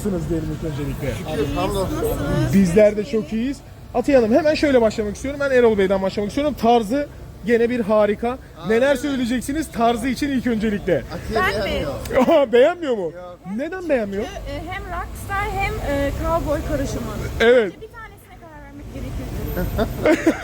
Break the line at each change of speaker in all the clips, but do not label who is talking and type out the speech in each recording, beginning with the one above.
Nasılsınız diyelim ilk öncelikle?
Hamdolsun.
Bizler de çok iyiyiz. Atiye Hanım hemen şöyle başlamak istiyorum. Ben Erol Bey'den başlamak istiyorum. Tarzı gene bir harika. Neler söyleyeceksiniz tarzı için ilk öncelikle?
Atiye
Ben mi?
beğenmiyor.
Beğenmiyor mu? Neden beğenmiyor?
Hem rockstar hem cowboy karışımı.
Evet.
Bir tanesine karar vermek gerekiyor.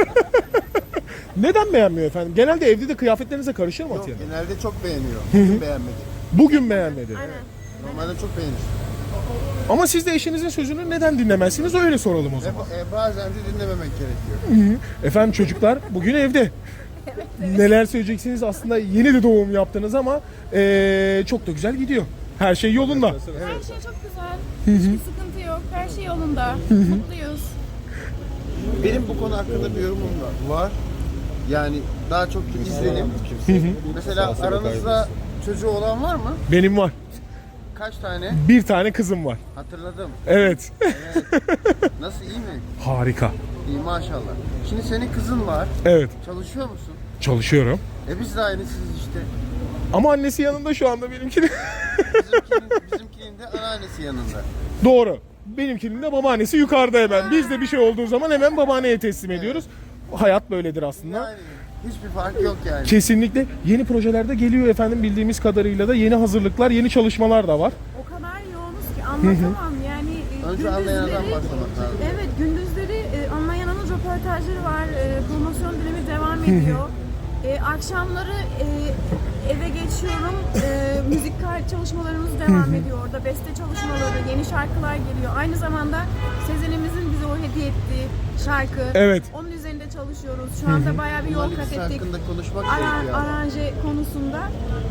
Neden beğenmiyor efendim? Genelde evde de kıyafetlerinize karışır mı
Yok,
Atiye Hanım?
genelde çok beğeniyor. Bugün beğenmedi.
Bugün beğenmedi.
Aynen.
Normalde çok beğenir.
Ama siz de eşinizin sözünü neden dinlemezsiniz? Öyle soralım o zaman.
Bazen de dinlememek gerekiyor.
Efendim çocuklar bugün evde. Neler söyleyeceksiniz? Aslında yeni de doğum yaptınız ama çok da güzel gidiyor. Her şey yolunda.
Her şey çok güzel. Hiçbir sıkıntı yok. Her şey yolunda. Mutluyuz.
Benim bu konu hakkında bir yorumum var. Yani daha çok izlenim. Mesela aranızda çocuğu olan var mı?
Benim var.
Kaç tane?
Bir tane kızım var.
Hatırladım.
Evet.
Nasıl, iyi mi?
Harika.
İyi maşallah. Şimdi senin kızın var.
Evet.
Çalışıyor musun?
Çalışıyorum.
Biz de aynısıyız işte.
Ama annesi yanında şu anda benimkinin.
Bizimkinin de anneannesi yanında.
Doğru. Benimkinin de babaannesi yukarıda hemen. Biz de bir şey olduğu zaman hemen babaanneye teslim ediyoruz. Hayat böyledir aslında.
Yani hiçbir fark yok yani.
Kesinlikle yeni projelerde geliyor efendim, bildiğimiz kadarıyla da yeni hazırlıklar, yeni çalışmalar da var.
O kadar yoğunuz ki anlatamam. Yani
Önce anlayanlardan başlamak lazım.
Evet, gündüzleri anlayanın röportajları var. Promosyon dönemi devam ediyor. Akşamları eve geçiyorum. Müzik çalışmalarımız devam ediyor orada. Beste çalışmaları, yeni şarkılar geliyor. Aynı zamanda Sezen'imizin bize o hediye ettiği şarkı.
Evet.
Onun üzerinde çalışıyoruz. Şu anda bayağı bir yol
Bunların
kat
ikisi
ettik.
hakkında konuşmak gerekiyor.
Aranje konusunda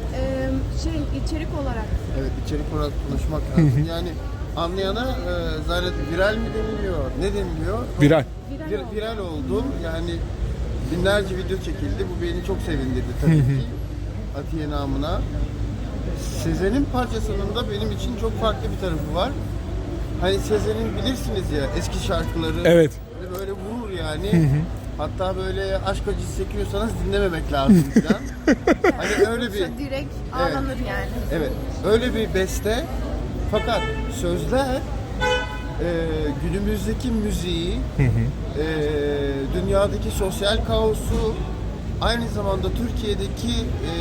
içerik olarak.
Evet, içerik olarak konuşmak lazım. Yani anlayana zaten viral mi deniliyor, ne deniliyor?
Viral.
Viral oldu. Yani binlerce video çekildi. Bu beni çok sevindirdi tabii ki. Atiye namına. Sezen'in parçasının da benim için çok farklı bir tarafı var. Hani Sezen'in bilirsiniz ya eski şarkıları.
Evet.
Böyle vurur yani. Hatta böyle aşk acısı çekiyorsanız dinlememek lazım falan. Hani öyle bir
Direkt ağlanır yani.
evet, öyle bir beste. Fakat sözler günümüzdeki müziği, dünyadaki sosyal kaosu, aynı zamanda Türkiye'deki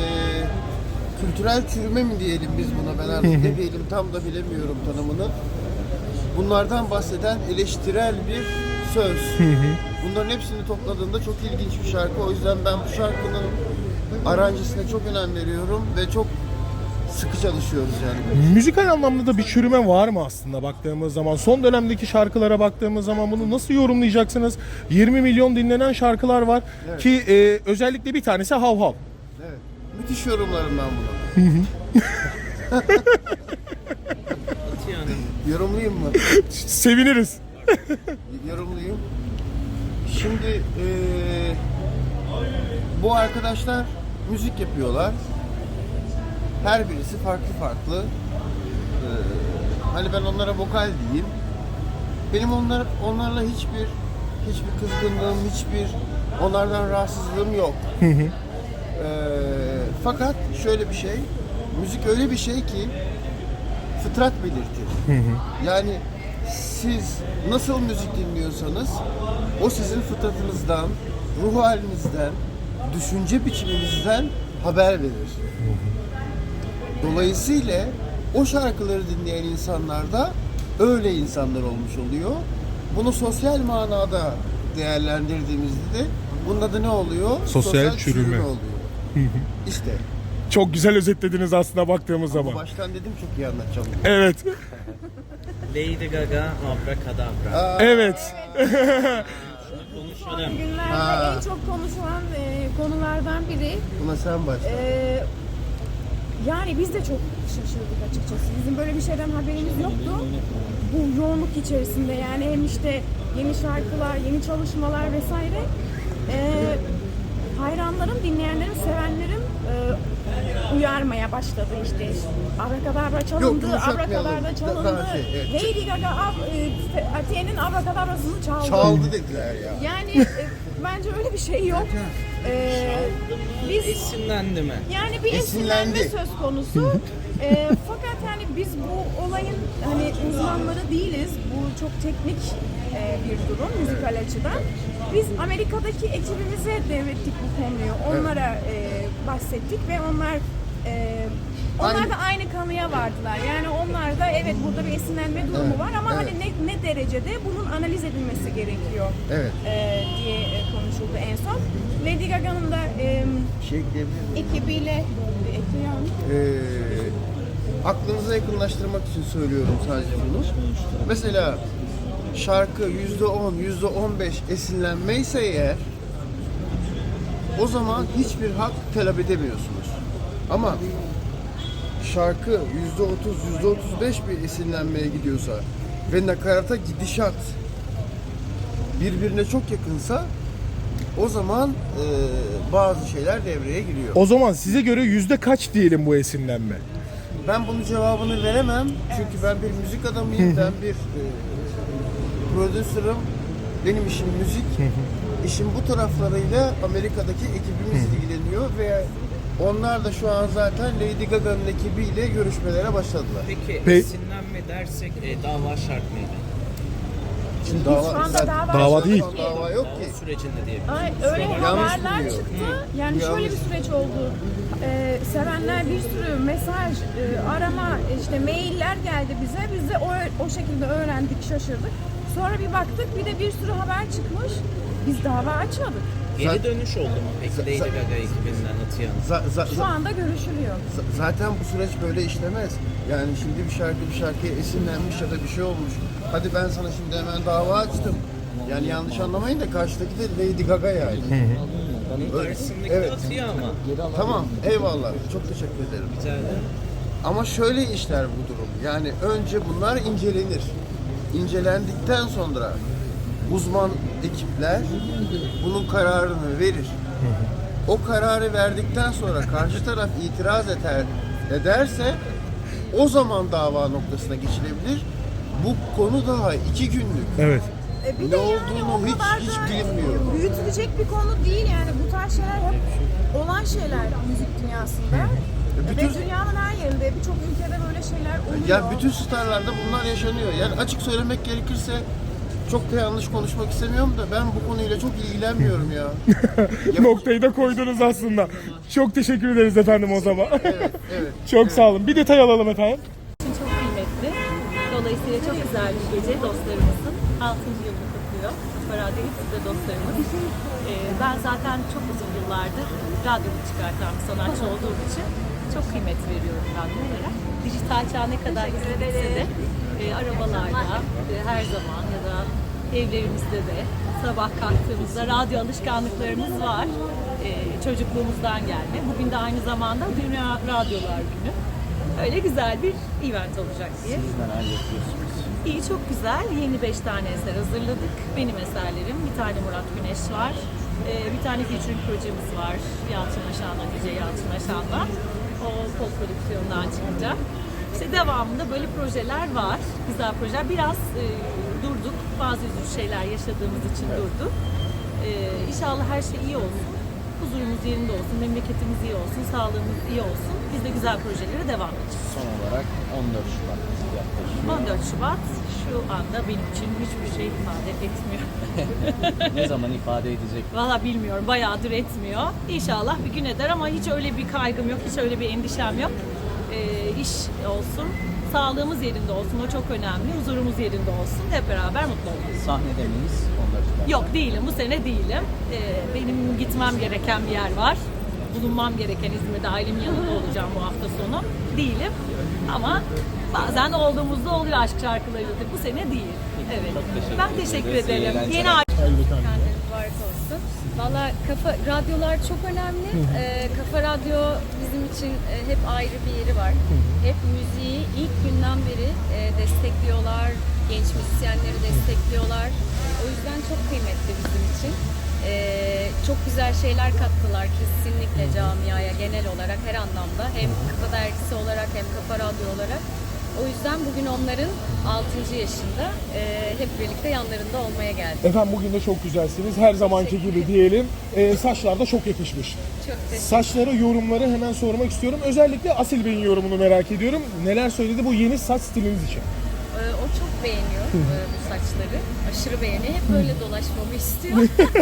kültürel çürüme mi diyelim biz buna, ben artık ne diyelim tam da bilemiyorum tanımını. Bunlardan bahseden eleştirel bir söz. Bunların hepsini topladığında çok ilginç bir şarkı. O yüzden ben bu şarkının aranjesine çok önem veriyorum ve çok sıkı çalışıyoruz yani.
Müzikal anlamda da bir çürüme var mı aslında baktığımız zaman? Son dönemdeki şarkılara baktığımız zaman bunu nasıl yorumlayacaksınız? 20 milyon dinlenen şarkılar var ki özellikle bir tanesi Hav Hav.
Evet. Müthiş yorumlarım ben bunu. Yorumlayayım mı?
Seviniriz.
Yorumlayayım. Şimdi bu arkadaşlar müzik yapıyorlar. Her birisi farklı farklı. Hani ben onlara vokal diyeyim. Benim onlarla hiçbir kızgınlığım, hiçbir onlardan rahatsızlığım yok. Fakat şöyle bir şey, müzik öyle bir şey ki fıtrat belirtir. Yani siz nasıl müzik dinliyorsanız o sizin fıtratınızdan, ruh halinizden, düşünce biçiminizden haber verir. Dolayısıyla o şarkıları dinleyen insanlar da öyle insanlar olmuş oluyor. Bunu sosyal manada değerlendirdiğimizde de bunun adı ne oluyor?
Sosyal çürüme
oluyor. İşte.
Çok güzel özetlediniz aslında baktığımız zaman.
Baştan dedim çok iyi anlatacağım.
Evet.
Lady Gaga, Abracadabra.
Evet.
Konuşalım.
Günlerde en çok konuşulan konulardan biri.
Buna sen başla.
Yani biz de çok şaşırdık açıkçası. Bizim böyle bir şeyden haberimiz yoktu. Bu yoğunluk içerisinde yani hem işte yeni şarkılar, yeni çalışmalar vesaire. Hayranlarım, dinleyenlerim, sevenlerim uyarmaya başladı işte. Abracadabra çalındı, Abracadabra çalındı.
Evet.
Lady Gaga Atiye'nin Abracadabra'sını çaldı.
Çaldı dediler ya.
Yani bence öyle bir şey yok. Biz
Esinlendi mi?
yani bir esinlenme
Esinlendi.
söz konusu. Fakat yani biz bu olayın hani çok teknik bir durum müzikal açıdan. Biz Amerika'daki ekibimize devrettik bu konuyu. Onlara bahsettik ve onlar da aynı kanıya vardılar. Yani onlar da evet burada bir esinlenme durumu var ama hani ne derecede bunun analiz edilmesi gerekiyor diye konuşuldu en son. Lady Gaga'nın da ekibiyle
aklınıza yakınlaştırmak için söylüyorum sadece bunu. Mesela şarkı %10, %15 esinlenmeyse eğer o zaman hiçbir hak talep edemiyorsunuz. Ama şarkı %30, %35 bir esinlenmeye gidiyorsa ve nakarata gidişat birbirine çok yakınsa o zaman bazı şeyler devreye giriyor.
O zaman size göre yüzde kaç diyelim bu esinlenme?
Ben bunun cevabını veremem çünkü ben bir müzik adamıyım, ben bir prodüserim, benim işim müzik. İşin bu taraflarıyla Amerika'daki ekibimiz ilgileniyor ve onlar da şu an zaten Lady Gaga'nın ekibiyle görüşmelere başladılar.
Peki esinlenme dersek dava şart mıydı?
Şimdi
şu anda
dava değil.
Dava yok ki.
Dava sürecinde diye.
öyle
Yanlış
haberler
biliyor.
çıktı. Yani
Bu
şöyle
yanlış.
bir süreç oldu. Sevenler bir sürü mesaj, arama, işte mailler geldi bize. Biz de o şekilde öğrendik, şaşırdık. Sonra bir baktık bir de bir sürü haber çıkmış. Biz dava açmadık.
Geri dönüş oldu mu peki Lady Gaga ekibinden Atiye'nin?
Şu anda görüşülüyor.
Zaten bu süreç böyle işlemez. Yani şimdi bir şarkıya esinlenmiş ya da bir şey olmuş. Hadi ben sana şimdi hemen dava açtım. Yani yanlış anlamayın da karşıdaki de Lady Gaga yani.
Onun karşısındaki
Evet.
Atiye ama.
Tamam, eyvallah. Çok teşekkür ederim.
Rica ederim.
Ama şöyle işler bu durum. Yani önce bunlar incelenir. İncelendikten sonra uzman ekipler bunun kararını verir. O kararı verdikten sonra karşı taraf itiraz ederse o zaman dava noktasına geçilebilir. Bu konu daha 2 günlük.
Evet.
Bir
Ne
de yani
olduğunu
o kadar
hiç
da
bilinmiyor.
büyütülecek bir konu değil yani. Bu tarz şeyler hep olan şeyler müzik dünyasında.
Bütün-
Ve dünyanın her yerinde, birçok ülkede böyle şeyler oluyor.
Yani bütün starlarda bunlar yaşanıyor. Yani açık söylemek gerekirse çok da yanlış konuşmak istemiyorum da ben bu konuyla çok ilgilenmiyorum ya.
Noktayı da koydunuz aslında. Çok teşekkür ederiz efendim o zaman.
Evet.
Çok sağ olun. Bir detay alalım efendim.
için çok kıymetli. Dolayısıyla çok güzel bir gece dostlarımızın 6. yılını kutluyor. Radyo hepsi de dostlarımız. Ben zaten çok uzun yıllardır radyomu çıkartan bir sanatçı olduğum için çok kıymet veriyorum radyolara. Dijital çağ ne kadar gitse de arabalarda her zaman ya da evlerimizde de sabah kalktığımızda radyo alışkanlıklarımız var. Çocukluğumuzdan gelme. Bugün de aynı zamanda Dünya Radyolar Günü. Öyle güzel bir event olacak diye.
Siz neler yapıyorsunuz?
İyi, çok güzel. Yeni 5 tane eser hazırladık. Benim eserlerim. Bir tane Murat Güneş var. Bir tane featuring projemiz var. Yalçın Aşan'la, DJ Yalçın Aşan'la. O post prodüksiyondan çıkacak. İşte devamında böyle projeler var. Güzel projeler. Biraz durduk. Bazı üzücü şeyler yaşadığımız için durduk. İnşallah her şey iyi olsun. Huzurumuz yerinde olsun, memleketimiz iyi olsun, sağlığımız iyi olsun. Biz de güzel projelere devam edeceğiz.
Son olarak 14 Şubat yaklaşıyor.
14 Şubat şu anda benim için hiçbir şey ifade etmiyor.
Ne zaman ifade edecek?
Valla bilmiyorum, bayağıdır etmiyor. İnşallah bir gün eder ama hiç öyle bir kaygım yok, hiç öyle bir endişem yok. İş olsun, sağlığımız yerinde olsun, o çok önemli. Huzurumuz yerinde olsun, hep beraber mutlu oluruz.
Sahnede miyiz 14 Şubat?
Yok değilim, bu sene değilim. Benim gitmem gereken bir yer var. Bulunmam gereken İzmir'de, ailemin yanında olacağım bu hafta sonu. Değilim ama bazen olduğumuzda oluyor aşk şarkılarıyla. Bu sene değil. Evet. Ben teşekkür
ederiz. İyi
ederim.
eğlenceler.
Yeni ay.
Kendiniz mübarek olsun. Valla radyolar çok önemli. Kafa Radyo bizim için hep ayrı bir yeri var. Hep müziği ilk günden beri destekliyorlar. Genç müzisyenleri destekliyorlar. O yüzden çok kıymetli bizim için. Çok güzel şeyler kattılar kesinlikle camiaya genel olarak her anlamda. Hem Kafa Dergisi olarak hem Kafa Radyo olarak. O yüzden bugün onların 6. yaşında hep birlikte yanlarında olmaya geldik.
Efendim bugün de çok güzelsiniz. Her zamanki gibi diyelim. Saçlar da çok yakışmış.
Çok teşekkür
Saçlara yorumları hemen sormak istiyorum. Özellikle Asil Bey'in yorumunu merak ediyorum. Neler söyledi bu yeni saç stiliniz için?
O çok beğeniyor bu saçları. Aşırı beğeniyor. Hep böyle dolaşmamı istiyor.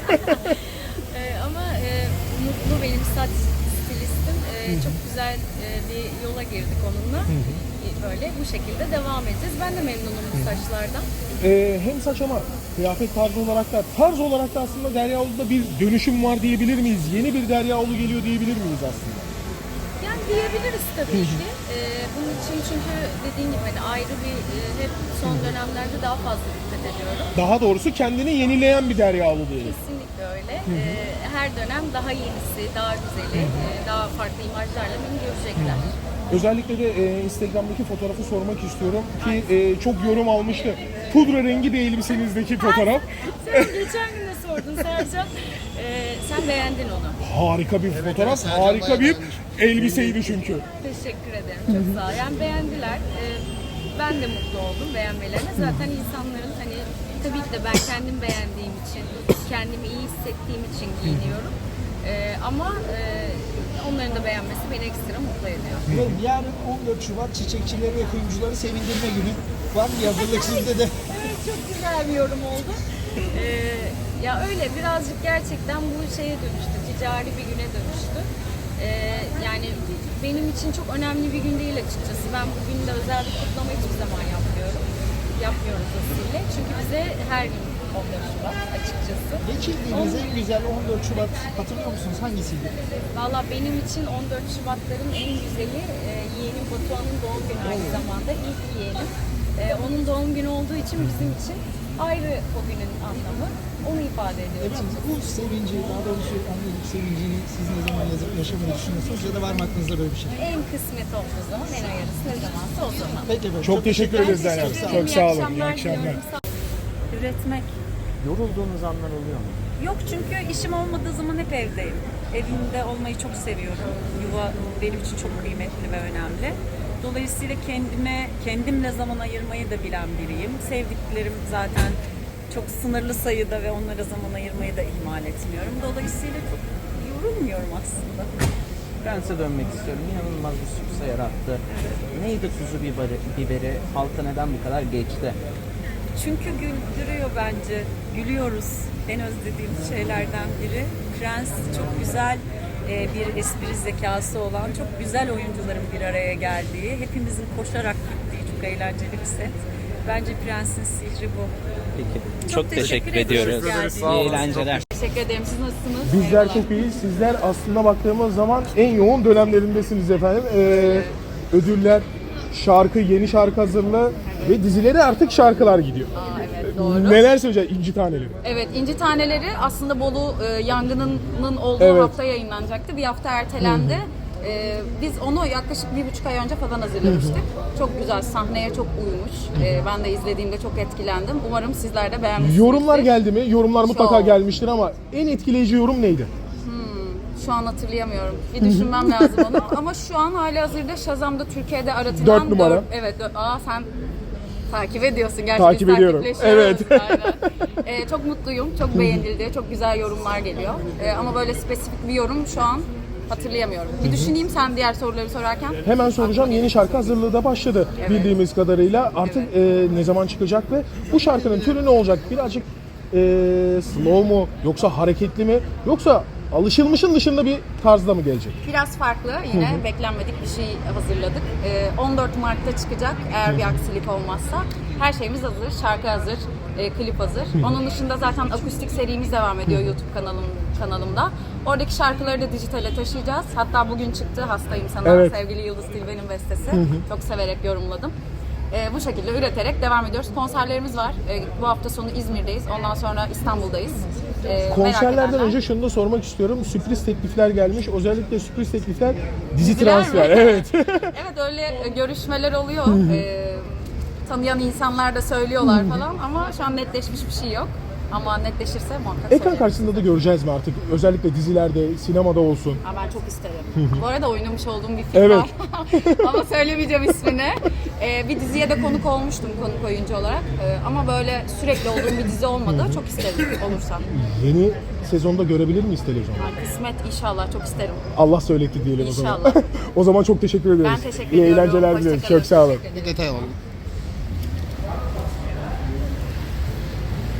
Ama Mutlu benim saç stilistim. Çok güzel bir yola girdik onunla. Böyle bu şekilde devam edeceğiz. Ben de memnunum bu saçlardan.
Hem saç ama kıyafet tarzı olarak da aslında Deryaoğlu'da bir dönüşüm var diyebilir miyiz? Yeni bir Deryaoğlu geliyor diyebilir miyiz aslında?
Yani diyebiliriz tabii ki. Bunun için çünkü dediğin gibi hani ayrı bir hep son dönemlerde daha fazla dikkat ediyorum.
Daha doğrusu kendini yenileyen bir Deryaoğlu diyelim.
Kesinlikle öyle. Her dönem daha yenisi, daha güzeli, daha farklı imajlarla beni görecekler.
Özellikle de Instagram'daki fotoğrafı sormak istiyorum ki çok yorum almıştı. Pudra rengi bir elbisenizdeki fotoğraf.
Sen geçen gün de sordun Sercan. Sen beğendin onu.
Harika bir fotoğraf,
Sercan
harika
bayağı
bir
beğenmiş.
elbiseydi çünkü.
Teşekkür ederim. Çok sağ ol. Yani beğendiler. Ben de mutlu oldum beğenmelerine. Zaten insanların hani tabii ki de ben kendim beğendiğim için, kendimi iyi hissettiğim için giyiniyorum. Ama onların da beğenmesi beni ekstra mutlu ediyor.
Ve yarın 14 Şubat çiçekçileri ve kuyumcuları sevindirme günü. Var mı hazırlık sizde de?
Evet, çok güzel bir yorum oldu. Ya öyle birazcık gerçekten bu şeye dönüştü, ticari bir güne dönüştü. Yani benim için çok önemli bir gün değil açıkçası. Ben bu günde özel bir kutlama hiçbir zaman yapmıyoruz aslında. Çünkü bize her gün 14 Şubat açıkçası.
Geçirdiğiniz en güzel 14 Şubat hatırlıyor musunuz? Hangisiydi?
Valla benim için 14 Şubatların en güzeli yeğenim Batuhan'ın doğum günü aynı zamanda. İlk yeğenim. Onun doğum günü olduğu için bizim için ayrı o günün anlamı. Onu ifade ediyor.
Efendim bu sevinci, daha doğrusu annelik sevincini siz ne zaman yazıp yaşamayı düşünüyorsunuz ya da var mı aklınızda böyle bir şey?
En kısmet olduğu zaman, en ayarısı ne zamansa o zaman.
Peki efendim.
Çok teşekkür ederiz Derya. Çok sağ olun. İyi akşamlar.
Üretmek.
Yorulduğunuz anlar oluyor mu?
Yok çünkü işim olmadığı zaman hep evdeyim. Evimde olmayı çok seviyorum. Yuva benim için çok kıymetli ve önemli. Dolayısıyla kendimle zaman ayırmayı da bilen biriyim. Sevdiklerim zaten çok sınırlı sayıda ve onlara zaman ayırmayı da ihmal etmiyorum. Dolayısıyla çok yorulmuyorum aslında.
Prens'e dönmek istiyorum. İnanılmaz bir sükse yarattı. Neydi tuzu biberi? Halka neden bu kadar geçti?
Çünkü güldürüyor bence. Gülüyoruz. En özlediğim şeylerden biri. Prens çok güzel bir espri zekası olan, çok güzel oyuncuların bir araya geldiği, hepimizin koşarak gittiği çok eğlenceli bir set. Bence Prens'in sihri bu.
Peki.
Çok teşekkür ediyoruz.
İyi eğlenceler.
Teşekkür ederim. Siz nasılsınız?
Bizler çok iyiyiz. Sizler aslında baktığımız zaman en yoğun dönemlerindesiniz efendim. Ödüller, şarkı, yeni şarkı hazırlığı ve dizilere artık şarkılar gidiyor.
Evet, doğru.
Neler söyleyeceksin İnci Taneleri?
Evet, İnci Taneleri aslında Bolu yangınının olduğu
Evet.
hafta yayınlanacaktı. Bir hafta ertelendi. Biz onu yaklaşık 1,5 ay önce falan hazırlamıştık. Çok güzel, sahneye çok uymuş. Ben de izlediğimde çok etkilendim. Umarım sizler de beğenmişsinizdir.
Yorumlar geldi mi? Yorumlar mutlaka
Çok.
gelmiştir ama en etkileyici yorum neydi?
Şu an hatırlayamıyorum. Bir düşünmem lazım onu. Ama şu an halihazırda Shazam'da Türkiye'de aratılan
4 numara.
Evet. Sen takip ediyorsun. Gerçi
Takip
biz
ediyorum.
takipleşiyoruz.
Evet.
Aynen. Çok mutluyum. Çok beğenildi. Çok güzel yorumlar geliyor. Ama böyle spesifik bir yorum şu an hatırlayamıyorum. Bir düşüneyim sen diğer soruları sorarken.
Hemen soracağım. Yeni şarkı hazırlığı da başladı bildiğimiz kadarıyla. Artık ne zaman çıkacak ve bu şarkının türü ne olacak? Birazcık slow mu yoksa hareketli mi yoksa alışılmışın dışında bir tarzda mı gelecek?
Biraz farklı. Yine beklenmedik bir şey hazırladık. 14 Mart'ta çıkacak eğer bir aksilik olmazsa. Her şeyimiz hazır. Şarkı hazır. Klip hazır. Onun dışında zaten akustik serimiz devam ediyor YouTube kanalımda. Oradaki şarkıları da dijitale taşıyacağız. Hatta bugün çıktı Hastayım Sana.
Evet.
Sevgili Yıldız Tilbe'nin bestesi. Çok severek yorumladım. Bu şekilde üreterek devam ediyoruz. Konserlerimiz var. Bu hafta sonu İzmir'deyiz. Ondan sonra İstanbul'dayız. Merak
Konserlerden
edenler-
önce şunu da sormak istiyorum. Sürpriz teklifler gelmiş. Özellikle sürpriz teklifler dizi
Diziler
transfer.
mi?
Evet.
Evet öyle görüşmeler oluyor. Tanıyan insanlar da söylüyorlar falan ama şu an netleşmiş bir şey yok. Ama netleşirse muhakkak
Ekran
söylerim.
karşısında da göreceğiz mi artık? Özellikle dizilerde, sinemada olsun.
Ben çok isterim. Bu arada oynamış olduğum bir film
Evet.
var. Ama söylemeyeceğim ismini. Bir diziye de konuk olmuştum konuk oyuncu olarak. Ama böyle sürekli olduğum bir dizi olmadı. Çok isterim olursa.
Yeni sezonda görebilir miyiz televizyonda?
Kısmet inşallah çok isterim.
Allah söyletti diyelim o zaman.
İnşallah.
O zaman çok teşekkür ederiz.
Ben teşekkür
İyi
ediyorum.
eğlenceler
Hoşça
dileriz.
kalın.
Çok sağ olun.
Bir detay alalım.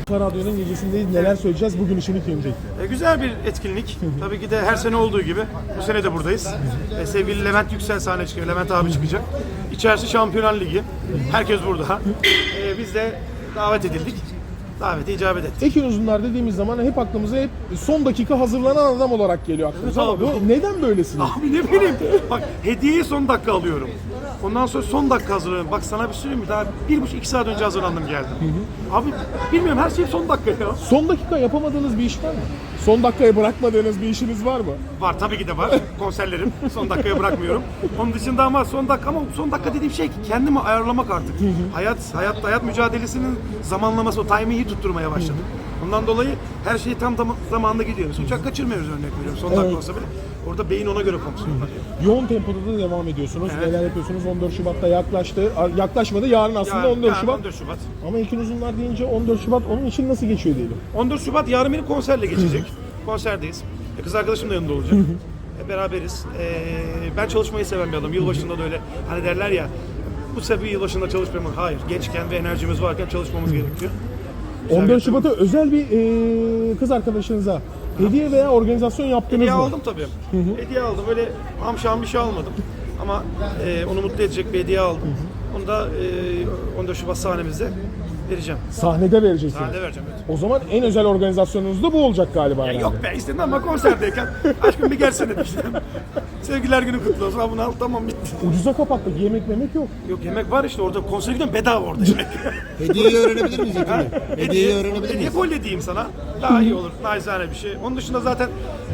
Kafa Radyo'nun gecesindeyiz. Neler söyleyeceğiz bugün için ilk öncelikle?
Güzel bir etkinlik. Tabii ki de her sene olduğu gibi bu sene de buradayız. Sevgili Levent Yüksel sahneye çıkıyor. Levent abi çıkacak. İçerisi Şampiyonlar Ligi. Herkes burada. Biz de davet edildik. Davete icabet ettik.
Ekin Uzunlar dediğimiz zaman hep aklımıza hep son dakika hazırlanan adam olarak geliyor aklımıza.
Evet
Ama
abi.
bu neden böylesiniz?
Abi ne bileyim. Bak hediyeyi son dakika alıyorum. Ondan sonra son dakika hazırlanıyorum. Bak sana bir söyleyeyim mi? Daha 1,5-2 saat önce hazırlandım geldim. Abi bilmiyorum her şey son dakika ya.
Son dakika yapamadığınız bir iş var mı? Son dakikaya bırakmadığınız bir işiniz var mı?
Var tabii ki de var. Konserlerim. Son dakikaya bırakmıyorum. Onun dışında ama son dakika dediğim şey ki kendimi ayarlamak artık. Hayat mücadelesinin zamanlaması, o timing'i tutturmaya başladım. Ondan dolayı her şey tam zamanında gidiyor. Mesela uçak kaçırmıyoruz örnek veriyorum. Son dakika olsa bile. Orada beyin ona göre fonksiyon yapıyor.
Yoğun tempoda da devam ediyorsunuz.
Evet.
Neler yapıyorsunuz? 14 Şubat'ta yaklaştı. Yaklaşmadı. Yarın aslında 14 Şubat.
14 Şubat.
Ama Ekin Uzunlar deyince 14 Şubat onun için nasıl geçiyor diyelim.
14 Şubat yarın benim konserle geçecek. Konserdeyiz. Kız arkadaşım da yanında olacak. Beraberiz. Ben çalışmayı seven bir adamım. Yılbaşında da öyle hani derler ya bu sebebi yılbaşında çalışmamız. Hayır. Gençken ve enerjimiz varken çalışmamız gerekiyor.
14 Şubat'a özel bir kız arkadaşınıza hediye veya organizasyon yaptınız
Hediye
mı?
aldım tabii. Hediye aldım. Öyle hamşam bir şey almadım. Ama onu mutlu edecek bir hediye aldım. Onu da 14 Şubat sahnemizde vereceğim.
Sahnede vereceksiniz.
Sahnede vereceğim. Evet.
O zaman en özel organizasyonunuz da bu olacak galiba.
Ya
herhalde.
yok be istedim ama konserdeyken aşkım bir gelsene demiştim. Sevgililer günü kutlu olsun. Ha bunu al tamam bitti.
Ucuza kapattık. Yemek memek yok.
Yok yemek var işte orada konsere gidiyorum bedava orada yemek.
Hediyeyi öğrenebilir miyiz Ekin Bey? Hediyeyi öğrenebilir
Hediye
miyiz?
kolye diyeyim sana. Daha iyi olur. Naizane bir şey. Onun dışında zaten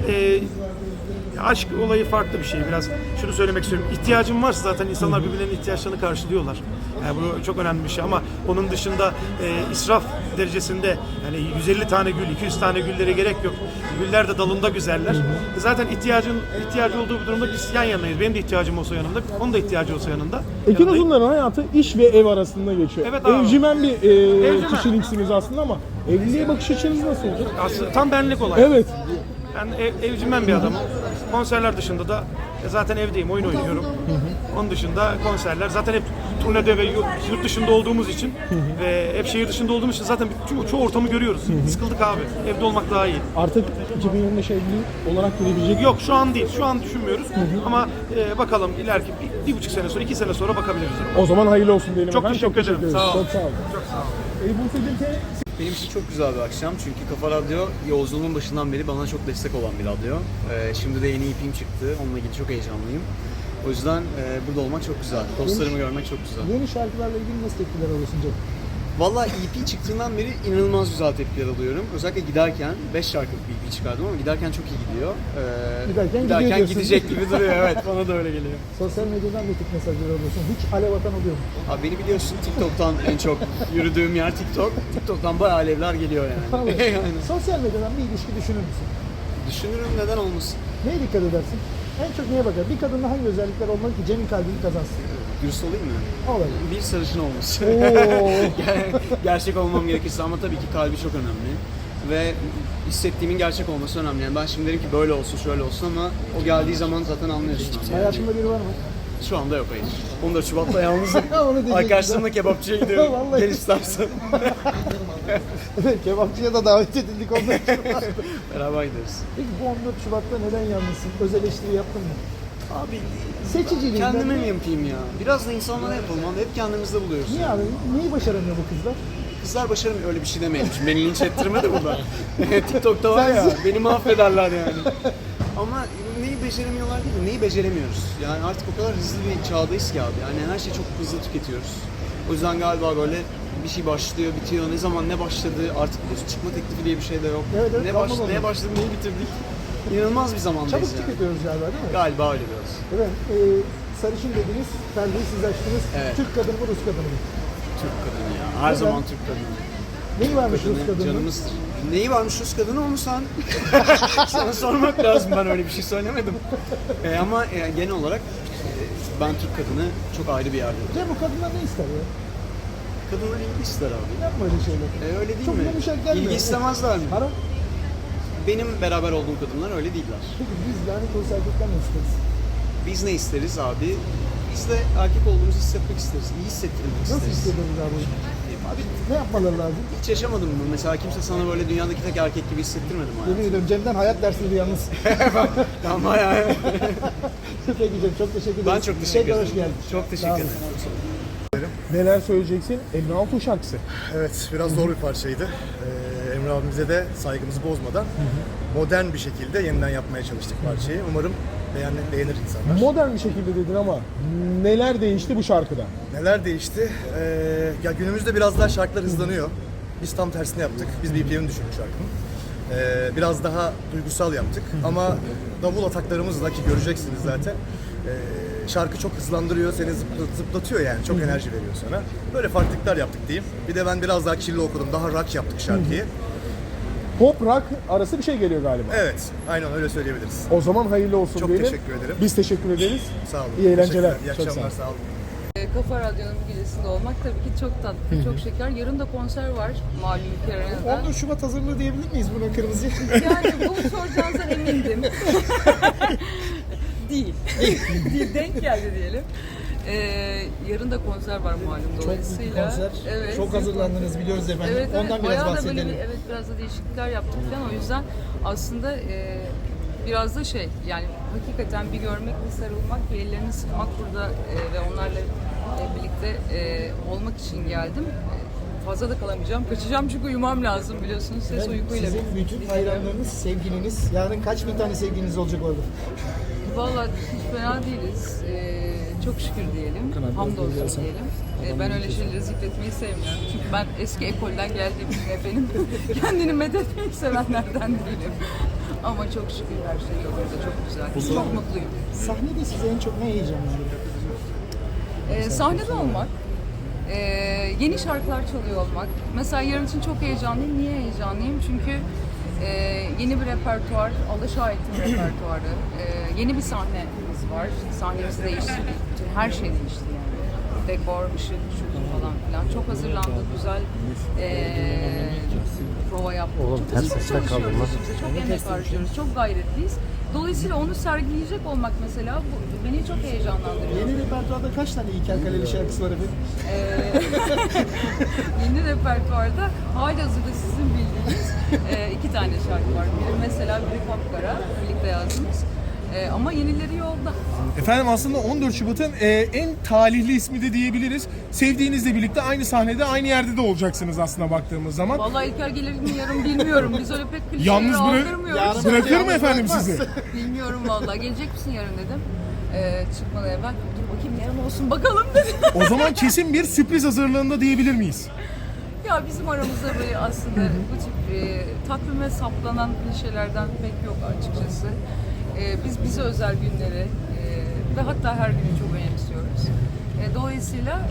aşk olayı farklı bir şey biraz. Şunu söylemek istiyorum. İhtiyacım varsa zaten insanlar birbirlerinin ihtiyaçlarını karşılıyorlar. Yani bu çok önemli bir şey ama onun dışında israf derecesinde yani 150 tane gül, 200 tane güllere gerek yok. Güller de dalında güzeller. Zaten ihtiyacı olduğu bir durumda biz yan yanayız. Benim de ihtiyacım olsa yanımda, onun da ihtiyacı olsa yanında.
Ekin
Yanındayım.
Uzunlar'ın hayatı iş ve ev arasında geçiyor.
Evet abi.
Evcimen bir
Evcimen.
kişiliksiniz aslında ama evliliğe bakış açınız nasıl olacak?
Aslında tam benlik olay.
Evet.
Ben evcimen bir adamım. Konserler dışında da zaten evdeyim, oyun oynuyorum. Onun dışında konserler. Zaten hep turnede ve yurt dışında olduğumuz için ve hep şehir dışında olduğumuz için zaten çoğu ortamı görüyoruz. Sıkıldık abi. Evde olmak daha iyi.
Artık 2025 evli olarak girebilecek.
Yok şu an değil. Şu an düşünmüyoruz. Ama bakalım ileriki bir buçuk sene sonra, 2 sene sonra bakabiliriz.
O zaman hayırlı olsun diyelim.
Çok
efendim.
teşekkür ederim.
ederiz.
Sağ olun.
Çok sağ olun. Buse'cim
Benim için çok güzel bir akşam çünkü Kafa Radyo yolculuğumun başından beri bana çok destek olan bir radyo. Şimdi de yeni EP'm çıktı, onunla ilgili çok heyecanlıyım. O yüzden burada olmak çok güzel, dostlarımı görmek çok güzel.
Yeni şarkılarla ilgili nasıl tepkiler alıyorsun Cem?
Valla EP çıktığından beri inanılmaz güzel tepkiler alıyorum. Özellikle giderken 5 şarkılık bir EP çıkardım ama giderken çok iyi gidiyor.
Giderken gidiyor diyorsun.
gidecek gibi duruyor, evet bana da öyle geliyor.
Sosyal medyadan ne tip mesajlar alıyorsun? Hiç alev atan oluyor mu?
Abi beni biliyorsun TikTok'tan en çok yürüdüğüm yer TikTok. TikTok'tan bayağı alevler geliyor yani.
Vallahi.
Aynen.
Sosyal medyadan bir ilişki düşünür müsün?
Düşünürüm neden olmasın.
Neye dikkat edersin? En çok neye bakar? Bir kadında hangi özellikler olmalı ki Cem'in kalbini kazansın?
Dürüst olayım mı?
Olayım.
Bir sarışın olması.
Oo.
Gerçek olmam gerekirse ama tabii ki kalbi çok önemli. Ve hissettiğimin gerçek olması önemli. Yani ben şimdi derim ki böyle olsun, şöyle olsun ama o geldiği zaman zaten anlıyorsun. Yani.
Hayatında biri var mı?
Şu anda yok hayır. 14 Şubat'ta yalnızım.
Onu diyecektim.
Arkadaşlarımla kebapçıya gidiyorum.
Vallahi.
Gel istersen.
Evet, kebapçıya da davet edildik ondan sonra.
Beraber gideriz.
Peki bu 14 Şubat'ta neden yalnızsın? Öz eleştiri yaptın mı?
Abi
Seçiciliğinden.
kendime mi yapayım ya? Biraz da insanlara yapalım. Abi. Hep kendimizde buluyoruz.
Niye abi? Neyi başaramıyor bu kızlar?
Kızlar başarımıyor öyle bir şey demeyelim. Şimdi beni linç ettirme de burada. TikTok'ta var ya beni mahvederler yani. Ama neyi beceremiyorlar değil mi? Neyi beceremiyoruz? Yani artık o kadar hızlı bir çağdayız ki abi. Yani her şeyi çok hızlı tüketiyoruz. O yüzden galiba böyle bir şey başlıyor, bitiyor. Ne zaman ne başladı artık biliyorsun çıkma teklifi diye bir şey de yok.
Evet,
Neye başladık, neyi bitirdik? İnanılmaz bir zamandayız
Çabuk
yani.
tüketiyoruz galiba değil mi?
Galiba öyle biraz.
Evet. Sarışın dediniz, perdeyi siz açtınız.
Evet.
Türk kadını mı, Rus kadını mı?
Türk kadını ya. Her
Neden?
zaman Türk kadını.
Neyi varmış Rus kadının?
Canımızdır. Neyi varmış Rus kadını onu sen sana sormak lazım. Ben öyle bir şey söylemedim. Ama genel olarak ben Türk kadını çok ayrı bir yerde.
Cem bu kadınlar ne ister ya?
Kadınlar ilgi ister abi.
Yapma öyle şeyler.
Öyle değil
Çok
mi?
yumuşak gelmiyor.
İlgi istemezler mi?
Para.
Benim beraber olduğum kadınlar öyle değiller.
Peki biz lanet olsa erkekler ne isteriz?
Biz ne isteriz abi? Biz de erkek olduğumuzu hissetmek isteriz. İyi hissettirmek
Nasıl
isteriz.
hissediyoruz abi? Abi ne yapmaları lazım?
Hiç yaşamadım bunu. Mesela kimse sana böyle dünyadaki tek erkek gibi hissettirmedi mi hayatım?
Yemin ediyorum Cem'den hayat dersiydi yalnız.
Tamam bayağı.
Peki Cem, çok teşekkür ederim.
Ben çok teşekkür
Tekrar
ederim.
hoş geldin.
Çok teşekkür
Sağ olun.
ederim.
Neler söyleyeceksin? Emre Altun şarkısı.
Evet, biraz zor bir parçaydı. Emre abimize de saygımızı bozmadan modern bir şekilde yeniden yapmaya çalıştık parçayı. Umarım beğenir insanlar.
Modern bir şekilde dedin ama neler değişti bu şarkıda?
Neler değişti? Ya günümüzde biraz daha şarkılar hızlanıyor. Biz tam tersini yaptık. Biz BPM'ini düşürdük şarkının. Biraz daha duygusal yaptık. Ama davul ataklarımızla, ki göreceksiniz zaten, şarkı çok hızlandırıyor, seni zıplatıyor yani. Çok enerji veriyor sana. Böyle farklılıklar yaptık diyeyim. Bir de ben biraz daha kirli okudum. Daha rock yaptık şarkıyı.
Pop rock arası bir şey geliyor galiba.
Evet, aynen öyle söyleyebiliriz.
O zaman hayırlı olsun
Çok
diyelim.
teşekkür ederim.
Biz teşekkür ederiz.
Sağ olun.
İyi eğlenceler.
Teşekkürler. İyi
Çok
akşamlar,
sağ
sağ olun.
Kafa Radyo'nun gecesinde olmak tabii ki çok tatlı, çok şeker. Yarın da konser var malum ülke arenada.
14 Şubat hazırlığı diyebilir miyiz buna kırmızıya?
Yani bunu soracağınızdan emindim. Değil. Değil, denk geldi diyelim. Yarın da konser var malum
Çok büyük bir
dolayısıyla.
konser.
Evet.
Çok hazırlandınız biliyoruz efendim.
Evet,
Ondan biraz
bayağı da
bahsedelim.
böyle biraz da değişiklikler yaptık falan. O yüzden aslında biraz da yani hakikaten bir görmek, bir sarılmak, bir ellerini sıkmak burada ve onlarla birlikte olmak için geldim. Fazla da kalamayacağım. Kaçacağım çünkü uyumam lazım biliyorsunuz. Ses uykuyla.
Sizin bütün hayranlarınız, sevgiliniz. Yarın kaç bin tane sevgiliniz olacak orada?
Vallahi hiç fena değiliz. Çok şükür diyelim. Hamdolsun diyelim. Ben öyle şeyleri zikretmeyi sevmiyorum. Çünkü ben eski ekolden geldiğim için efendim kendini medetmeyi sevenlerden değilim. Ama çok şükür her şey yolunda, çok güzel. Çok mutluyum.
Sahnede size en çok ne heyecanlandırıyor?
Sahnede olmak, yeni şarkılar çalıyor olmak. Mesela yarın için çok heyecanlıyım. Niye heyecanlıyım? Çünkü yeni bir repertuar, Alaşahet'in repertuarı, yeni bir sahnemiz var. Sahnemizi değiştirdik. Bütün her şey değişti yani. Dekor, ışık, şutu falan filan. Çok hazırlandık, güzel prova yaptık. Çok iyi çalışıyoruz. Çok emek harcıyoruz, çok gayretliyiz. Dolayısıyla onu sergileyecek olmak mesela beni çok heyecanlandırıyor.
Yeni repertuarda kaç tane İlker Kaleli şarkısı var efendim?
Yeni repertuarda halihazırda sizin bildiğiniz 2 tane şarkı var. Biri mesela biri Kapkara, birlikte yazdığımız. Ama yenileri yolda.
Efendim aslında 14 Şubat'ın en talihli ismi de diyebiliriz. Sevdiğinizle birlikte aynı sahnede, aynı yerde de olacaksınız aslında baktığımız zaman.
Vallahi İlker gelir mi yarın bilmiyorum. Biz öyle pek klişeleri
Yalnız
aldırmıyoruz.
bırakır mı efendim sizi?
Bilmiyorum vallahi. Gelecek misin yarın dedim. Çıkmadan evvel dur bakayım yarın olsun bakalım dedi.
O zaman kesin bir sürpriz hazırlığında diyebilir miyiz?
Ya bizim aramızda böyle aslında bu tip takvime saplanan klişelerden pek yok açıkçası. Biz bize özel günleri ve hatta her günü çok önemsiyoruz. Dolayısıyla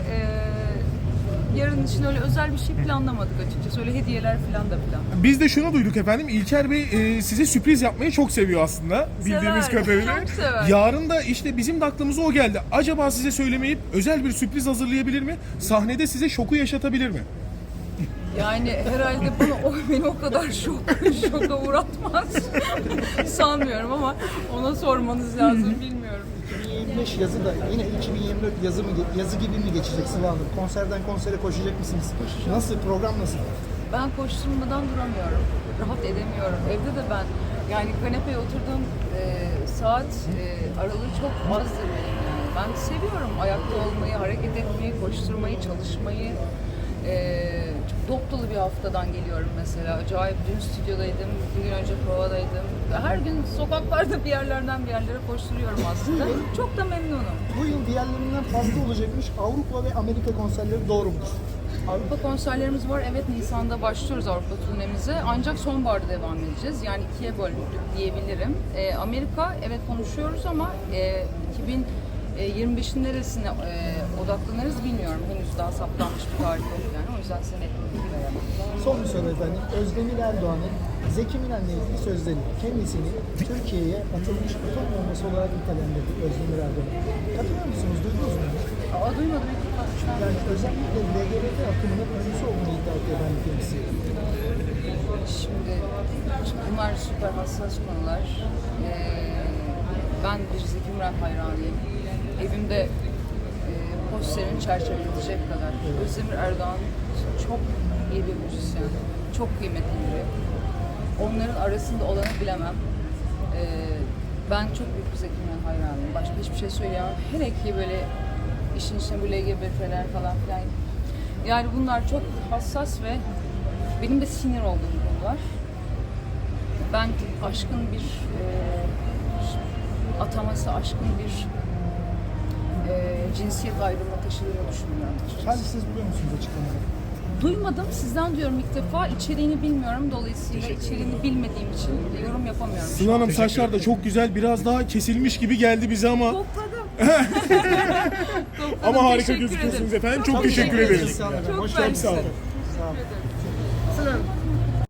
yarın için öyle özel bir şey planlamadık açıkçası. Öyle hediyeler falan da plan.
Biz de şunu duyduk efendim. İlker Bey size sürpriz yapmayı çok seviyor aslında. Bildiğimiz
Sever,
kadarıyla.
çok sever.
Yarın da işte bizim de aklımıza o geldi. Acaba size söylemeyip özel bir sürpriz hazırlayabilir mi? Sahnede size şoku yaşatabilir mi?
Yani herhalde beni o kadar şoka uğratmaz sanmıyorum ama ona sormanız lazım bilmiyorum.
2025 yazı da yine 2024 yazı gibi mi geçecek Sıla Hanım? Konserden konsere koşacak mısınız? Nasıl? Program nasıl?
Ben koşturmadan duramıyorum. Rahat edemiyorum. Evde de ben yani kanepeye oturduğum saat aralığı çok azdır benim yani. Ben seviyorum ayakta olmayı, hareket etmeyi, koşturmayı, çalışmayı. Çok dop dolu bir haftadan geliyorum mesela. Acayip dün stüdyodaydım, bir gün önce provadaydım. Her gün sokaklarda bir yerlerden bir yerlere koşturuyorum aslında. Çok da memnunum.
Bu yıl diğerlerinden fazla olacakmış Avrupa ve Amerika konserleri, doğru mudur?
Avrupa konserlerimiz var. Evet, Nisan'da başlıyoruz Avrupa turnemize. Ancak sonbaharda devam edeceğiz. Yani 2'ye bölündük diyebilirim. Amerika evet konuşuyoruz ama 2025'in neresine odaklanırız bilmiyorum. Henüz daha saptanmış bir tarih yok yani. O yüzden seni veremem.
Son bir soru efendim. Özdemir Erdoğan'ın Zeki Müren'le ilgili sözleri kendisini Türkiye'ye atılmış atom bombası olarak nitelendirdi Özdemir Erdoğan. Katılıyor musunuz? Duydunuz mu?
Duymadım.
Yani özellikle LGBT akımının öncüsü olduğunu iddia ediyor ben kendisi.
Şimdi bunlar süper hassas konular. Ben bir Zeki Müren hayranıyım. Evimde posterini çerçeveletecek kadar. Özdemir Erdoğan çok çok iyi bir müzisyen, çok kıymetli biri. Onların arasında olanı bilemem. Ben çok büyük bir Zeki Müren hayranıyım. Başka hiçbir şey söyleyemem. Hele ki böyle işin içine bu LGBT'ler falan filan. Yani bunlar çok hassas ve benim de sinir olduğum konular. Ben aşkın bir ataması, aşkın bir cinsiyet ayrımına taşıdığını düşünmüyorum.
Sadece siz buluyor musunuz açıklamaları?
Duymadım, sizden diyorum ilk defa. İçeriğini bilmiyorum. Dolayısıyla içeriğini bilmediğim için yorum yapamıyorum.
Sıla Hanım saçlar da çok güzel, biraz daha kesilmiş gibi geldi bize ama
Topladım.
ama harika
Teşekkür
gözüküyorsunuz
ederim.
efendim. Çok teşekkür ederiz.
Çok
Çok sağ olun.
mersi.
Sağ olun.
Sıla Hanım.